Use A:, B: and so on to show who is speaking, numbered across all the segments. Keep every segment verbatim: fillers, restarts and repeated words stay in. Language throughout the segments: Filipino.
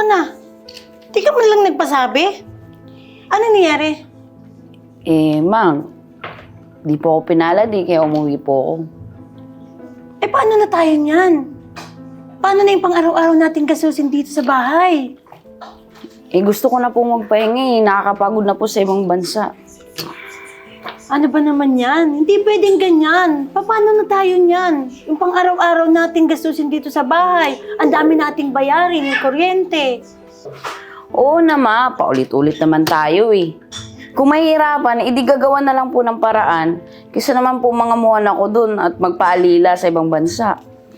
A: ka na. Di ka man lang nagpasabi. Ano nangyari?
B: Eh, ma'am, di po ako pinalad eh, kaya umuwi po ako.
A: Eh, paano na tayo niyan? Paano na yung pang-araw-araw natin kasusin dito sa bahay?
B: Eh, gusto ko na po magpahinga eh. Nakakapagod na po sa ibang bansa.
A: Ano ba naman yan? Hindi pwedeng ganyan. Paano na tayo niyan? Yung pang-araw-araw natin gastusin dito sa bahay. Ang dami nating bayarin, yung kuryente.
B: Oo na ma, paulit-ulit naman tayo eh. Kung mahihirapan, edi gagawa na lang po ng paraan. Kaysa naman po mga muhan ako dun at magpaalila sa ibang bansa.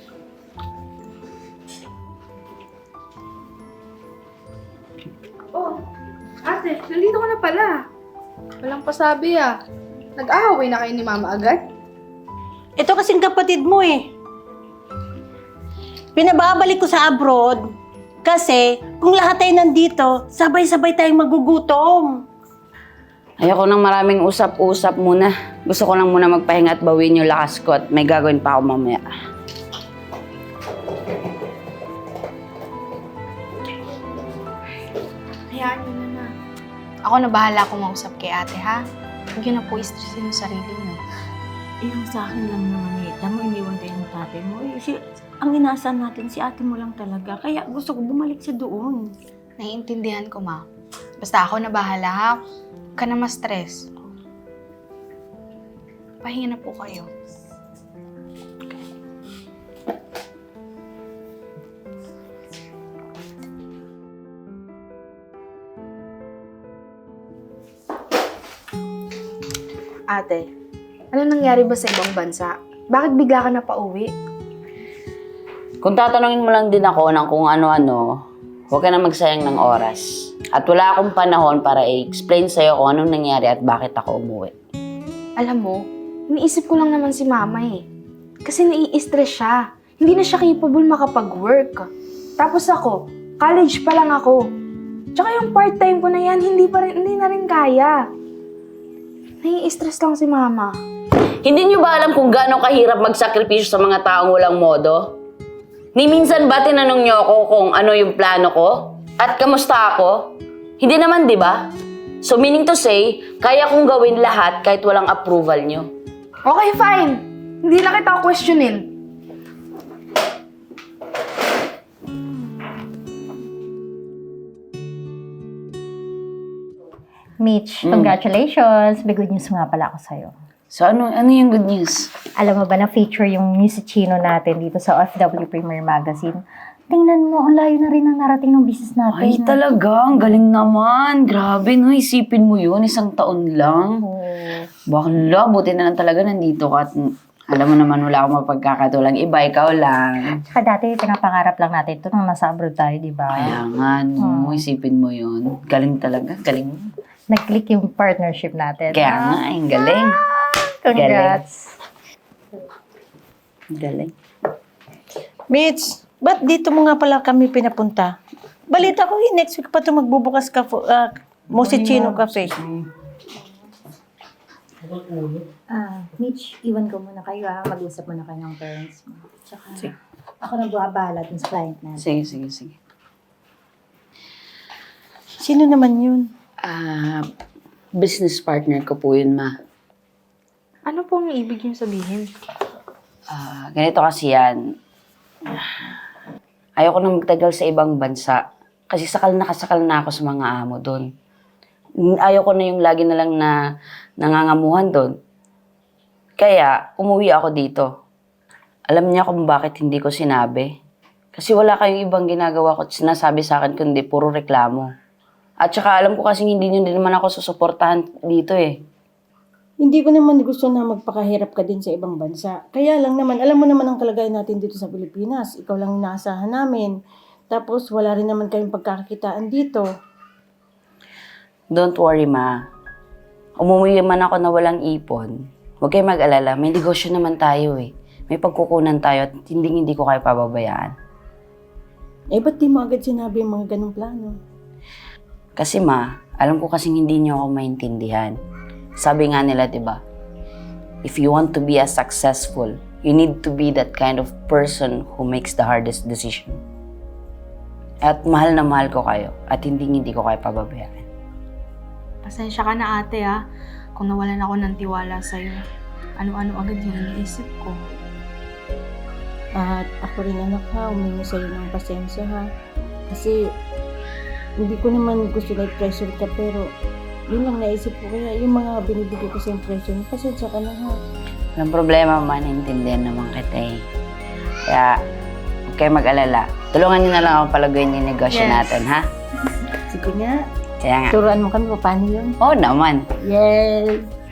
C: Oh, ate, nandito ka na pala. Walang pasabi ah. Nag-aaway na kayo ni Mama agad?
A: Ito kasing kapatid mo eh. Pinababalik ko sa abroad kasi kung lahat tayo nandito, sabay-sabay tayong magugutom.
B: Ayoko nang maraming usap-usap muna. Gusto ko lang muna magpahinga at bawiin yung lakas ko at may gagawin pa ako mamaya.
C: Hayaan niyo na na. Ako na bahala kumausap kay ate ha. Huwag yun na po istressin yung sarili niyo.
A: Eh, yung sa akin lang naman eh. Tama, iniwan tayo ng tatay mo. Eh, si, ang inaasahan natin, si ate mo lang talaga. Kaya gusto ko bumalik sa doon.
C: Naiintindihan ko ma. Basta ako na bahala ha. Huwag ka na ma-stress. Pahinga na po kayo. Ate, ano nangyari ba sa ibang bansa? Bakit bigla ka na pauwi?
B: Kung tatanungin mo lang din ako ng kung ano-ano, huwag ka na magsayang ng oras. At wala akong panahon para i-explain sa'yo kung anong nangyari at bakit ako umuwi.
C: Alam mo, iniisip ko lang naman si Mama eh. Kasi nai-stress siya. Hindi na siya capable makapag-work. Tapos ako, college pa lang ako. Tsaka yung part-time ko na yan, hindi, pa rin, hindi na rin kaya. Nai-stress lang si Mama.
B: Hindi niyo ba alam kung gaano kahirap magsakripisyo sa mga taong walang modo? Ni minsan ba tinanong niyo ako kung ano yung plano ko? At kamusta ako? Hindi naman, di ba? So meaning to say, kaya kong gawin lahat kahit walang approval niyo.
C: Okay, fine. Hindi na kita questionin.
D: Mitch,
B: Mm.
D: congratulations! May good news nga pala ako sa'yo.
B: So ano, ano yung good news?
D: Alam mo ba na feature yung musicino natin dito sa O F W Premier Magazine? Tingnan mo, ang layo na rin ang narating ng business natin.
B: Ay talaga, ang galing naman. Grabe no, isipin mo yun, isang taon lang.
D: Oo.
B: Bakla, buti na lang talaga nandito ka at alam mo naman wala akong mapagkakatulang iba, ikaw lang.
D: Tsaka dati, pinapangarap lang natin ito nung nasa abroad tayo, di ba?
B: Kaya nga, no,
D: Hmm.
B: isipin mo yun. Galing talaga, galing.
D: Nag-click yung partnership natin.
B: Kaya
D: Ah,
B: nga, ang galing.
D: Congrats!
B: Galing.
A: Mitch, ba't dito mo nga pala kami pinapunta? Balita ko, eh, next week pa ito magbubukas ka uh, Musicino Cafe.
D: Ah, Mitch, iwan ko muna kayo ah. Mag-usap muna kayo ng parents mo. Tsaka, ako na buwabahala dun sa client natin.
B: Sige, sige, sige.
A: Sino naman yun?
B: Ah, business partner ko po yun, ma.
C: Ano pong ibig niyo sabihin?
B: Ah, ganito kasi yan. Ayoko na magtagal sa ibang bansa. Kasi sakal na kasakal na ako sa mga amo doon. Ayoko na yung lagi na lang na nangangamuhan doon. Kaya, umuwi ako dito. Alam niya kung bakit hindi ko sinabi. Kasi wala kayong ibang ginagawa ko at sinasabi sa akin kundi puro reklamo. At saka alam ko kasi hindi nyo din naman ako susuportahan dito eh.
A: Hindi ko naman gusto na magpakahirap ka din sa ibang bansa. Kaya lang naman, alam mo naman ang kalagayan natin dito sa Pilipinas. Ikaw lang inaasahan namin. Tapos wala rin naman kayong pagkakakitaan dito.
B: Don't worry, ma. Umuwi man ako na walang ipon. Huwag kayo mag-alala. May negosyo naman tayo eh. May pagkukunan tayo at hindi hindi ko kayo pababayaan.
A: Eh, ba't di mo agad sinabi yung mga ganong plano?
B: Kasi ma, alam ko kasing hindi niyo ako maintindihan. Sabi nga nila, di ba? If you want to be as successful, you need to be that kind of person who makes the hardest decision. At mahal na mahal ko kayo. At hindi hindi ko kayo pababayaan.
C: Pasensya ka na ate ha, kung nawalan ako ng tiwala sa'yo. Ano-ano agad yung iniisip ko.
A: At ako rin anak ha, humingi sa'yo ng pasensya ha. Kasi hindi ko naman gusto na i-pressure ka pero yun lang naisip ko. Kaya yung mga binibigay ko sa impression, pasensya ka na ha.
B: Walang problema, maintindihan naman kita eh. Kaya, huwag kayo mag-alala. Tulungan niyo na lang ako palaguin yung negosyo
C: Yes.
B: natin, ha?
A: Sige nga,
B: Kaya nga.
A: turuan mo kami pa paano yun.
B: Oo naman.
A: Yes!